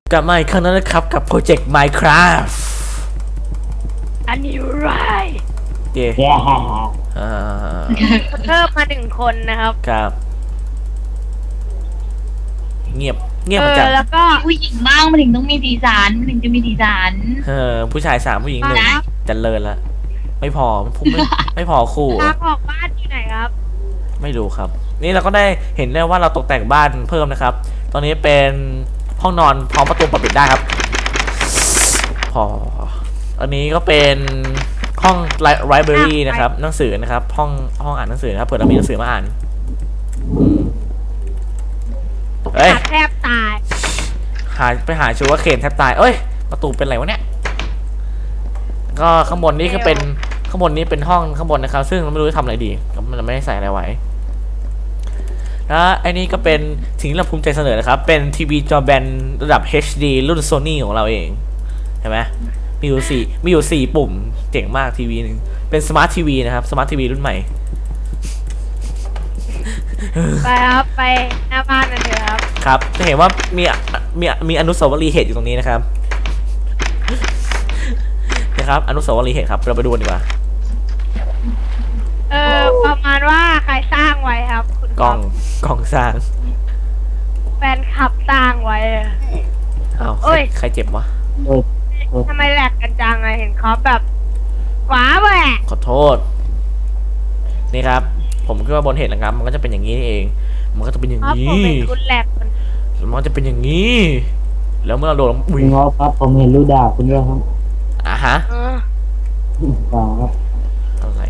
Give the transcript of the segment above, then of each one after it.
กลับมาอีกครั้งนั้นนะครับกับโปรเจกต์ Minecraft อันนี้ไรเย่แย่อ่าเพิ่มมา1 คนนะครับครับเงียบเหมือนกันแล้วก็ผู้หญิงบ้างมันถึงต้องมีสีสันมันถึงจะมีสีสันผู้ชาย3ผู้หญิง1จันเลินละไม่พอผมไม่พอคู่ทางออกบ้านอยู่ไหนครับไม่รู้ครับ นี่เราก็ได้เห็นได้ว่าเราตกแต่งบ้านเพิ่มนะครับ ตอนนี้เป็นห้องนอนพร้อมประตูเปิดได้ครับพออันนี้ก็เป็นห้องไลบรารีนะครับหนังสือนะครับห้องอ่านหนังสือนะครับเผื่อเรามีหนังสือมาอ่านเฮ้ยแทบตายไปหาชูว่าเคนแทบตายเอ้ยประตูเป็นไรวะเนี่ยก็ข้างบนนี่คือเป็นข้างบนนี้เป็นห้องข้างบนนะครับซึ่งเราไม่รู้จะทำอะไรดีมันไม่ได้ใส่อะไรไว้แล้วไอ้นี่ก็เป็นสิ่งที่เราภูมิใจเสนอนะครับเป็นทีวีจอแบนระดับ HD รุ่น Sony ของเราเองเห็นไหมมีอยู่4ปุ่มเจ๋งมากทีวีนึงเป็นสมาร์ททีวีนะครับสมาร์ททีวีรุ่นใหม่ไปครับไปหน้าบ้านกันเถอะครับครับจะเห็นว่ามีอนุสาวรีย์เหตุอยู่ตรงนี้นะครับนะครับอนุสาวรีย์เหตุครับเราไปดูกันดีกว่าประมาณว่าใครสร้างไว้ครับคุณกล้องสร้างแฟนคลับสร้างไว้อ้าวโอ้ยใครเจ็บวะโอ้ยทำไมแหลกกันจังอะเห็นเขาแบบขวาแหวกขอโทษนี่ครับผมคิดว่าบนเหตุนะครับมันก็จะเป็นอย่างนี้นี่เองมันก็จะเป็นอย่างครับนี้ผมเป็นคุณแหลกคนมันก็จะเป็นอย่างนี้ แล้วเมื่อเราโดนคุอุ้ยณงอครับผมเห็นรูด่าคุณด้วยครับอ่ะฮะเออด่าครับอะไร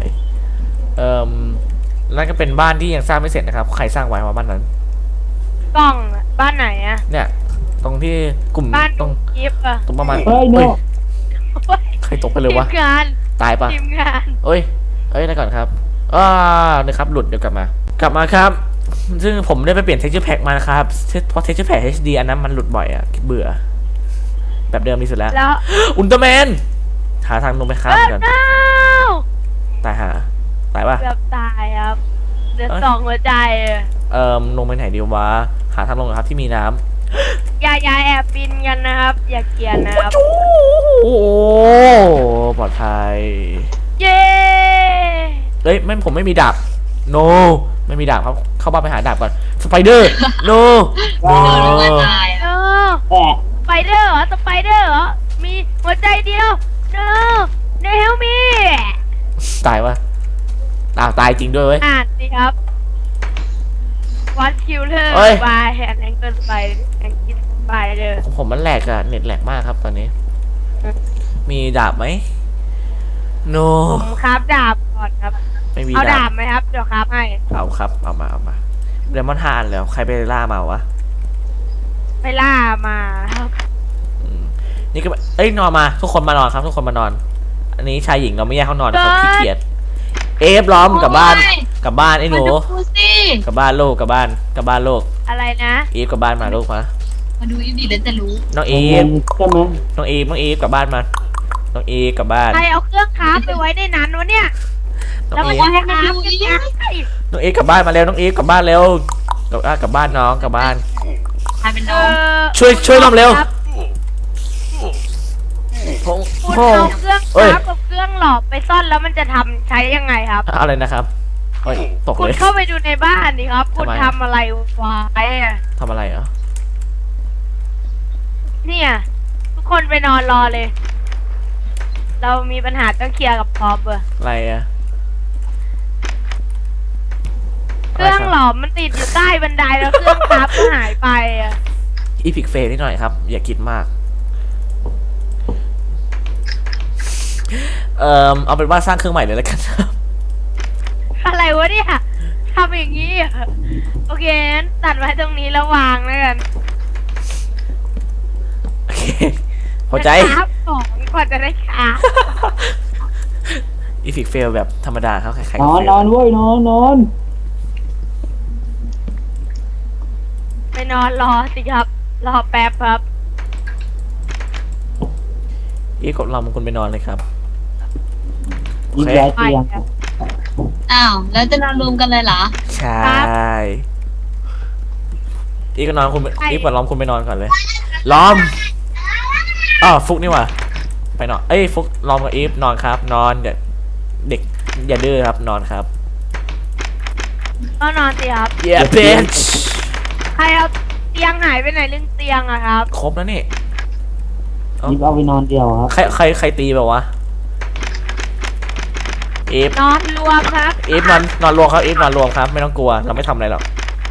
นั่นก็เป็นบ้านที่ยังสร้างไม่เสร็จนะครับใครสร้างไว้ว่าบ้านนั้นกล้องอะบ้านไหนอะเนี่ยตรงที่กลุ่มบ้านตรงกิฟต์อะตรงประมาณเฮ้ยโน่ใครตกไปเลทียวะมงานตายปะทีมงานเอ้ยได้ก่อนครับนะครับหลุดเดี๋ยวกลับมาครับ ซึ่งผมได้ไปเปลี่ยน texture pack มานะครับเพราะ texture pack HD อันนั้นมันหลุดบ่อยอะเบื่อแบบเดิมดีสุดแล้วแล้วอุลตร้าแมนหาทางลงไปข้ามกัน no ตายปะเกือบตายครับเหลือเอ้ย 2 หัวใจอะลงไปไหนดีวะหาทางลงครับที่มีน้ำอย่าแอบบินกันนะครับ อย่าเกลียนนะครับโอ้ปลอดภัยเย้เอ้ยไม่ผมไม่มีดาบ no ไม่มีดาบครับเข้าบ้านไปหาดาบก่อนสไปเดอร์ no โดนลงมาตายเออะอแอะสไปเดอร์เหรอสไปเดอร์เหรอมีหัวใจเดียว no no help me ตายวะตายจริงด้วยเว้ยอ่านสิครับ What killer เอ้ย by an angle spider and kid spider ของผมมันแหลกอะเน็ตแหลกมากครับตอนนี้ มีดาบไหม no ผมครับดาบก่อนครับไม่มีเอาดาดาบบไหมครับ เดี๋ยวครับให้เอาครับเอามาเดมอนฮานแล้วใครไปล่ามาวะไปล่ามาครับนี่ก็นอนมาทุกคนมานอนครับทุกคนมานอน อันนี้ชายหญิงเราไม่แยกห้องนอนนะครับขี้เกียจเอฟล้อมกลับบ้านไอ้หนูมาดูสิกลับบ้านลูกกลับบ้านลูกอะไรนะอีฟกลับบ้านมาลูกมามาดูอีดีแล้วจะรู้น้องผอีมเห็ฟนใช่ไหมน้องอีฟกลับบ้านมาน้องอีฟกลับบ้านใครเอาเครื่องคราฟไปไว้ในนั้นวะเนี่ยน้แล้วองมันอีฟจะให้คราฟยังไงน้องอีฟกลับบ้านมาเร็วน้องอีฟกลับบ้านเร็วกลับบ้านน้องกลับบ้านกลายเป็นน้องช่วยน้องเร็วครับพงคุณพงเอาเครื่องคเอ้ยราฟกับเครื่องหลอกไปซ่อนแล้วมันจะทำใช้ยังไงครับอะไรนะครับโอ้ยตกคุณเลยเข้าไปดูในบ้านดิครับ คุณทำไมทำอะไรไว้อะทำอะไรเหรอเนี่ย ทุกคนไปนอนรอเลย เรามีปัญหาต้องเคลียร์กับพอปอะอะไรอะเครื่องหลอมมันติดอยู่ใต้บันไดแล้วเครื่องคราฟก็หายไปอะอีพิกเฟนิดหน่อยครับอย่าคิดมากเอาเป็นว่าสร้างเครื่องใหม่เลยแล้วกันครับอะไรวะเนี่ยทำอย่างนี้อะโอเคงั้นตัดไว้ตรงนี้แล้ววางแล้วกันโอเคพอใจคราฟของก่อนจะได้คราฟอีพิกเฟลแบบธรรมดาครับใครๆนก็อนเฟนลอนเว้ยนอนไปนอนรอสิครับ รอแป๊บครับอีฟกับเรามันควรไปนอนเลยครับยิงย้ายเตียงอ้าวแล้วจะนอนรวมกันเลยเหรอใช่อีฟกับนอนคุณอีฟกับเราคุณไปนอนก่อนเลยเล้อมอ๋อฟุกนี่หว่าไปนอนเอ้ยฟุกล้อมกับอีฟนอนครับ นอนเด็กอย่าดื้อครับนอนครับก็นอนสิครับ yeah bitch ใครเอาเตียงหายไปไหนเรื่องเตียงอะครับครบแล้วนี่ยิบเอาไปนอนเดียวครับใครตีแบบวะอีฟนอนรวมครับอีฟนอนรวมครับอีฟนอนรวมครับไม่ต้องกลัวเราไม่ทำอะไรหรอก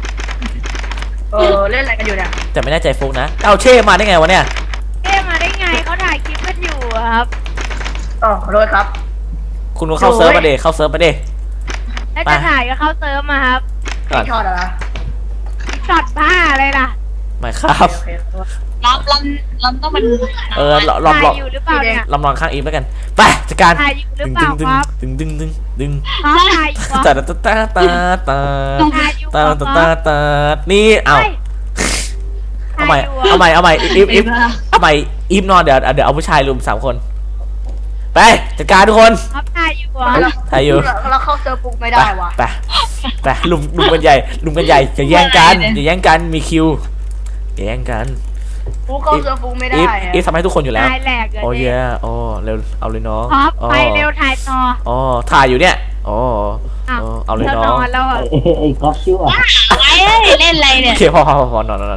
เล่นอะไรกันอยู่เนี่ยแต่ไม่แน่ใจฟุกนะเอาเช่มาได้ไงวะเนี่ยเอ๊ะมาได้ไงเขาถ่ายคลิปกันอยู่อะครับขอโทษครับคุณเข้าเซิร์ฟมาเดเข้าเซิร์ฟมาเดแล้วจะถ่ายก็เข้าเซิร์ฟมาครับก่อนช็อตอะไรช็อตบ้าอะไรล่ะไม่ครับโอเคขอโทษลำต้องเป็นลอมถ่ายอยู่หรือเปล่าเนี่ยลำนอนข้างอีฟแล้วกันไปจัดการถ่ายอยู่หรือเปล่าครับดึงเขาถ่ายอยู่เหรอตาตาตาตาถ่ายอยู่เหรตาอตาตาตานี่เอาเฮ้ยเอาใหม่ถ่ายอยู่เหรอเอาใหม่อีฟเอาใหม่อีฟนอนเดี๋ยวเอาผู้ชายรุม3 คนไปจัดการทุกคนครับถ่ายอยู่เหรอถ่ายอยู่เราเข้าเซิร์ฟปุ๊กไม่ไปได้วะไปลุมกันใหญ่อย่าแย่งกันมีคิวอย่าแย่งกันปุ๊กเข้าเซิร์ฟปุ๊กไม่ได้อีฟทำให้ทุกคนอยู่แล้วถ่ายแหลกเลยโอ้ยโอ้เร็วเอาเลยน้องครับไปเร็วถ่ายต่ออ๋อถ่ายอยู่เนี่ยอ๋ออ้าวเอาเลยเราน้นองอนแล้วอะไอ้ก๊อฟชั่วไอ้เล่นอะไรโอเนี่ยเคพอนอน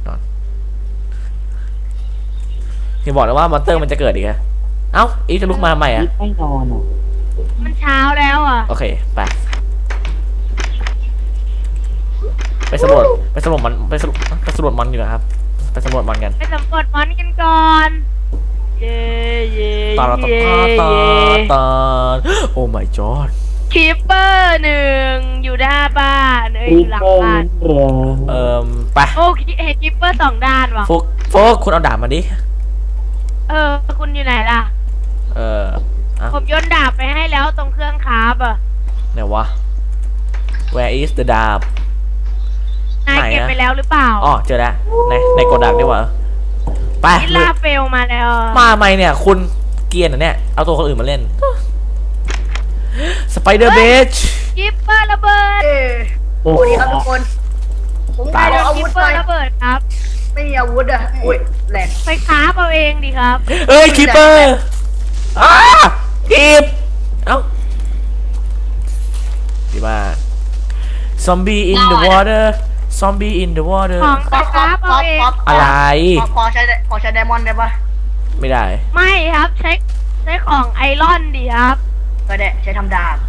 ที่บอกแล้วว่ามอนเตอร์มันจะเกิดอีกอะเอ้าอีฟจะลุกมาใหม่ยิอะบไม่นอนอ่ะมันเช้าแล้วอะโอเคไปสำรวจมันไปสำรวจมันอยู่นะครับไปสำรวจมันกันไปสำรวจมอนกันก่อนเย่เย่ตาเย่ตาโอ้ my god คีปเปอร์1อยู่หน้าบ้านอรียู่หลังเปอร์บ้านเรือไปโอ้เห็นคีปเปอร์2 ด้านว่ะฟุกคุณเอาดาบมาดิคุณอยู่ไหนล่ะ ผมโยนดาบไปให้แล้วตรงเครื่องคราฟอะไหนวะ where is the ดาบนายเก็บไปแล้วหรือเปล่าอ๋อเจอแล้วในโกดังดีกว่าไปอิลาเฟลมาแล้วอะมาไหมเนี่ยคุณเกรียนอ่ะเนี่ยเอาตัวคนอื่นมาเล่นสไปเดอร์เบชคีปเปอร์ระเบิดตัวสวัสดีครับทุกคน ผมขออาคีวุปธเปหอน่อยร์ระเบิดครับไม่มีอาวุธอ่ะอุ้ยแหลกไปคราฟเอาเองดิครับเอ้ยคีเปอร์คีบเอ้าดีมากซอมบี้ in the water ซอมบี้ in the water ของไปคราฟเอาเองอะไรขอใช้ไดมอนด์ได้ปะไม่ได้ไม่ครับใช้ของไอรอนดิครับก็ได้ใช้ทำดาบ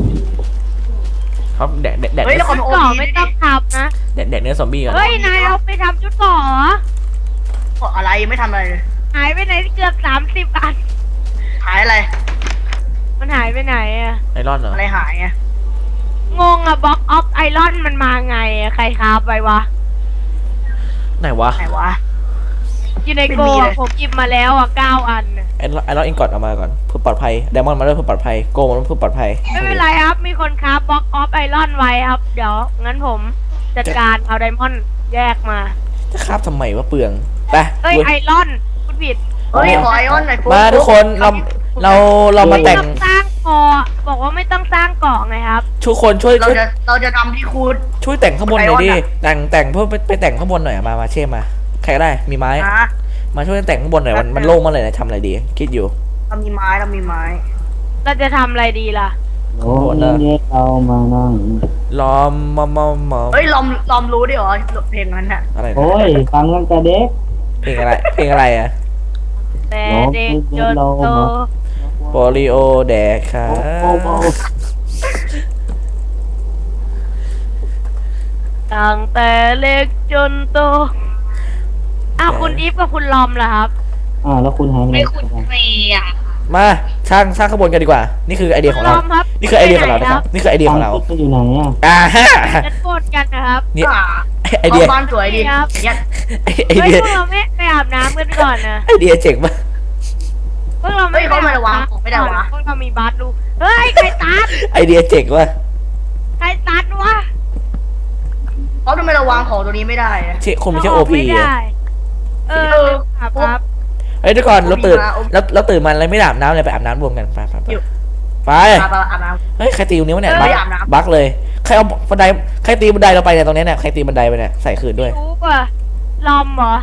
ครับแดกเฮ้ยแล้วขอชุดโอเก่อทีไม่ดิต้องทำนะแดกเนื้อซอมบี้ก่อนเฮ้ยนายเอาไปทำชุดเก่อเหรอขออะไรไม่ทำอะไรเลยหายไปไหนเกือบ30 อันหายอะไรมันหายไปไหนอะไอรอนเหรออะไรหายไงงงอะบล็อกออฟไอรอนมันมาไงอะใครคราฟไปวะไหนวะไหนวะอยู่ในไม่โกมีเลอะยผมหยิบมาแล้วอะ9 อันน่ะไอรอนอินกอดเอามาก่อนเพื่อปลอดภัยไดมอนด์มาด้วยเพื่อปลอดภัยโกมันเพื่อปลอดภัยไม่เป็นไรครับ มีคนคราฟบล็อกออฟไอรอนไว้ครับ เดี๋ยวงั้นผมจัดการเอาไดมอนด์แยกมาจะคาบทำไมวะเปลืองไปเอ้ยไอรอนคุณผิดเฮ้ยขอไอออนหน่อยปุ๊มาทุกคนเรามาแต่งไม่ต้องสร้างเกาะบอกว่าไม่ต้องสร้างเกาะไงครับทุกคนช่วยเราจะทำที่คูดช่วยแต่งข้างบนหน่อยดิไอออนอะแต่งเพื่อไปแต่งข้างบนหน่อยอะมาเช่มาใครก็ได้มีไม้นะมาช่วยแต่งข้างบนหน่อยมันโล่งมากเลยนะทำอะไรดีคิดอยู่เรามีไม้เราจะทำอะไรดีล่ะโอ้นี่เรามานั่งล้อมมอเฮ้ยลอมรู้ดิเหรอเพลงนั้นน่ะอะไรนะโอ้ยฟังตั้งแต่เด็กเพลงอะไรอะแต่เด็กจนโตโปลิโอแดกค่ะโอ้โหตั้งแต่เล็กจนโตอ้าวคุณอีฟกับคุณลอมล่ะครับแล้วคุณหายไปไหนไม่ขุดฟรีอ่ะมาสร้างข้างบนกันดีกว่า นี่คือไอเดียของลเราอมครับนี่คือไอเดียของเรานะครับนี่คือไอเดียของเราฟังอยู่ไหนอ่ะฮะจะโกดกันนะครับนี่ก็ไอเดียบ้านสวยดีครับเนี่ยไอเฮ้ยเดียพวกเราไม่ไปอาบน้ำกันก่อนนะไอเดียเจ๋งมากพวกเราไม่เฮ้ยเขาไม่ระวังของไม่ได้วะพวกเรามีบัตรดูเฮ้ยใครตัดไอเดียเจ๋งว่ะใครตัดวะเขาทำไมเราวางของตัวนี้ไม่ได้อะเช่คงไม่ใช่โอเาพีไม่อะได้ครับเฮ้ยทุกคนเราตื่นโอเคเราตื่นมาแล้วไม่อาบน้ำเลยไปอาบน้ำรวมกันไปอยู่ไปอาบน้เฮ้ยใครตีนิ้วเนี่ยเออบั๊กไม่อาบน้ำบั๊กเลยใครเอาบันไดใครตีบันไดเราไปเนี่ยตรงเนี้ยเนี่ยใครตีบันไดไปเนี่ยใส่คืนด้วยรู้ป่ะลอมเหรอ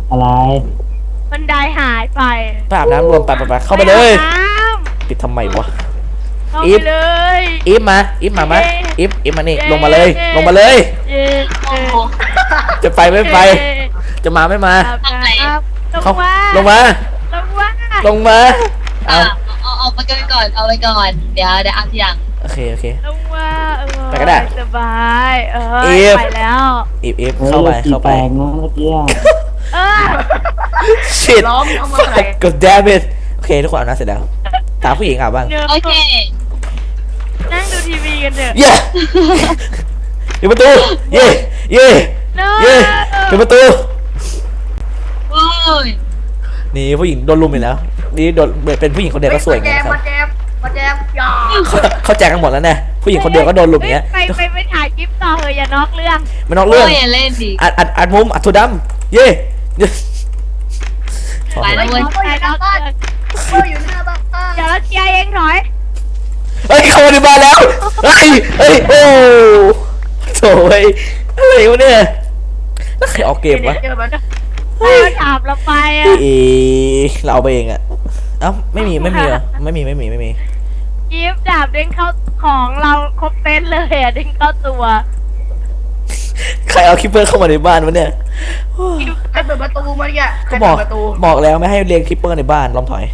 อะไรบันไดหายไปไปอาบน้ำรวมไปเข้าไปเลยอาบน้ปิดทำไมวะำเข้าอีไปฟเลยอีฟมาอีฟมานี่เย้ลงมาเลย ลงมาเลยเย้โอ้โหจะไปไม่ไป จะมาไม่มาอาบน้ำลเขางมาลงมาลงมาลงมาอ่ะเอาเอาไปก่อนเอาไปก่อนเดี๋ยวเอาทีหลังโอเคลงมาไปก็ได้สบายอีฟไปแล้วอีฟเฮ้ยเข้าไปสีแปลงนะเมื่อกี้อะเออ shit ล้อมเข้ามาไหน god damn it โอเคทุกคนอาบน้ำเสร็จแล้วตามผู้หญิงอาบบ้างเดี๋ยวโอเคนั่งดูทีวีกันเถอะเย้ปิดประตู เย้เย้ No เย้ปิดประตูโอ้ยนี่ผู้หญิงโดนลุมอีกแล้ว นี่โดนเป็นผู้หญิงคนเดียวก็สวยอย่างแจเงี้ยมนะครับมาแจมอย่าเขาแจกกันหมดแล้วเนี่ยผู้หญิงคนเดียวก็โดนลุมอย่างเงี้ยไปถ่ายคลิปต่อเถอะอย่านอกเรื่องไม่นอกเรื่องโอ้ยอย่าเล่นดิอัดมุมอัดถั่วดำเย้เย้ไปแล้วเว้ยถ่ายนอกเรื่องเอออยู่หน้าบ้านเดี๋ยวเราเคลียร์เองถอยเฮ้ยเข้ามาในบ้านแล้วเฮ้ยโอ้โถ่เฮ้ยอะไรวะเนี่ยแล้วใครออกเกมวะเจอมันเราถามเราไปอ่ะเราเอาไปเองอะเอ้าไม่มีเหรอไม่มีกิฟต์ดาบเด้งเข้าของเราครบเต็นเลยอ่ะเด้งเข้าตัวใครเอาคิปเปอร์เข้ามาในบ้านวะเนี่ยใครเปิดประตูมาเนี่ยใครก็บเปิอกดประตูบอกแล้วไม่ให้เรียงคิปเปอร์ในบ้านลองถอย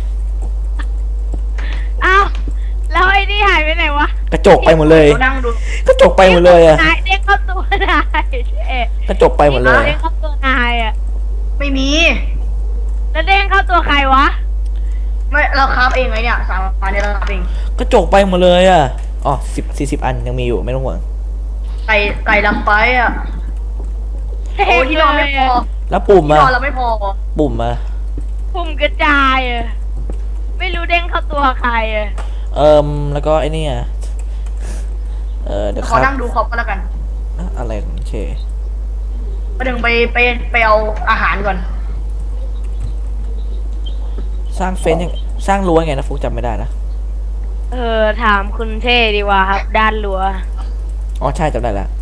อ้าวแล้วไอ้นี่หายไปไหนวะกระจกไปหมดเลยเรานั่งดูกระจกไปหมดเลยอะนายเด้งเข้าตัวนายเอ๊ะกระจกไปหมดเลยเด้งเข้าตัวนายอ่ะไม่มีแล้วเด้งเข้าตัวใครวะไม่เราคราฟเองไงเนี่ยสามอันเนี่ยเราคราฟเองกระจกไปหมดเลยอะอ๋อ40 อันยังมีอยู่ไม่ต้องห่วงไก่ลำไปอ่ะโอ้ที่นอนไม่พอแล้วปุ่มที่อะนอนเราไม่พอปุ่มอะปุ่มกระจายอ่ะไม่รู้เด้งเข้าตัวใครอ่ะแล้วก็ไอ้นี่อะเดี๋ยวคขอรับนั่งดูคอปก็แล้วกันอะไรโอเคประเดี๋ยวไปเอาอาหารก่อนสร้างเฟนยังสร้างรั้วไงนะฟุกจำไม่ได้นะถามคุณเท่ดีกว่าครับ ด้านหลัวอ๋อใช่จำได้แล้ว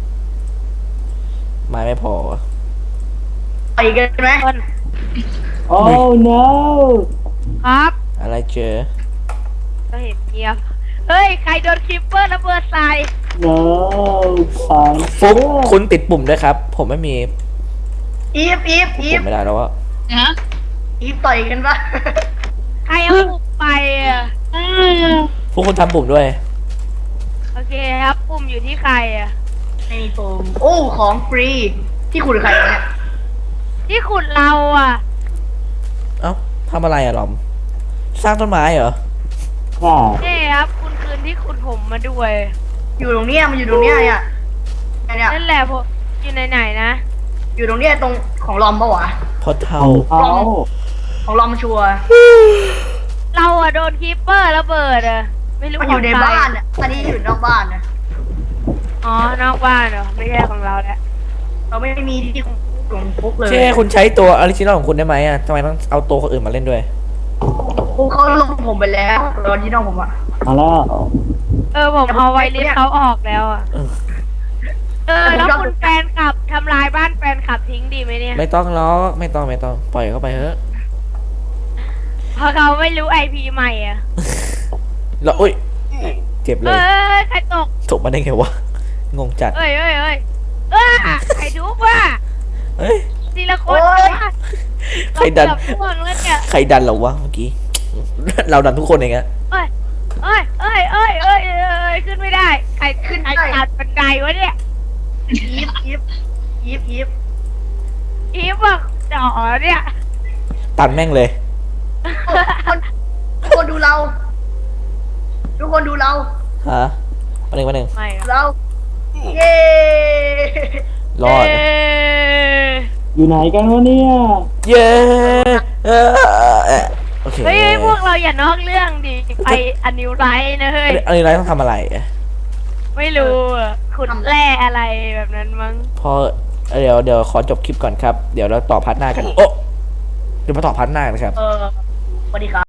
ไม้ไม่พอไปกันไหมต้นโอ้ no ครับอะไรเจอก็เห็นเงียบเฮ้ยใครโดนคลิปเปอร์ระเบิดใส่ no ของฟุกคุณติดปุ่มด้วยครับ ผมไม่มีอีฟปุ่มไม่ได้แล้วว่านะอีฟต่อยกันปะใครเอาปุ่มไปอ่ะฟุกคุณทำปุ่มด้วยโอเคครับปุ่มอยู่ที่ใครอ่ะไม่มีโฟมโอ้ของฟรีที่คุณใครเนี่ยที่ขุดเราอ่ะเอ้าทำอะไรอะหลอม สร้างต้นไม้เหรอใช่นี่ครับคุณคืนที่ขุดผมมาด้วยอยู่ตรงเนี้ยมันอยู่ตรงเนี้ยเนี่ยเนี่ยนั่นแหละผมอยู่ไหนๆนะอยู่ตรงเนี้ยตรงของลอมปะวะพอเท่าของเขาของลอมชัวร์เราอ่ะโดนคลิปเปอร์ระเบิดอ่ะไม่รู้มันอยู่ในขงใครบ้านอ่ะอันนี้อยู่นอกบ้านนะอ๋อนอกบ้านเหรอไม่ใช่ของเราแล้วเราไม่มีที่ของฟุกเลยเช่คุณใช้ตัวออริจินอลของคุณได้ไหมอะทำไมต้องเอาตัวคนอื่นมาเล่นด้วยฟุกเขาลงผมไปแล้วตอนที่น้องผมอ่ะมาแล้วผมเอาไวลิสเขาออกแล้วอ่ะเออแล้วคุณแฟนคลับทำลายบ้านแฟนคลับทิ้งดีไหมเนี่ยไม่ต้องล้อกไม่ต้องปล่อยเข้าไปเถอะเพราะเขาไม่รู้ไอพีใหม่อ่ะแล้วอุ้ยเจ็บเลยใครตกตกมาได้ไงวะ งงจัดเอ้ยใครทุบว่ะเอ้ยทีละคนวะใครดันเราเกือบพ่วงแล้วเนี่ยใครดันเราวะเมื่อกี้ เราดันทุกคนเองอะเอ้ยขึ้นไม่ได้ ใครขึ้นไอ้ตัดบันไดวะเนี่ยอีฟอีฟบอกจ่อเนี่ยตันแม่งเลยทุกคนดูเรา ทุกคนดูเราฮะมาหนึ่งไม่อะเราเย้รอดเอ้ยอยู่ไหนกันวะเนี่ยเย้โอเคเฮ้ยพวกเราอย่านอกเรื่องดิไปอันนิวไรนะเฮ้ยอันนี้ไรต้องทำอะไรอะไม่รู้อะขุดแร่อะไรแบบนั้นมั้งพอเดี๋ยวขอจบคลิปก่อนครับ เดี๋ยวเราต่อพาร์ทหน้ากัน โอ้เดี๋ยวมาต่อพาร์ทหน้ากันครับสวัสดีครับ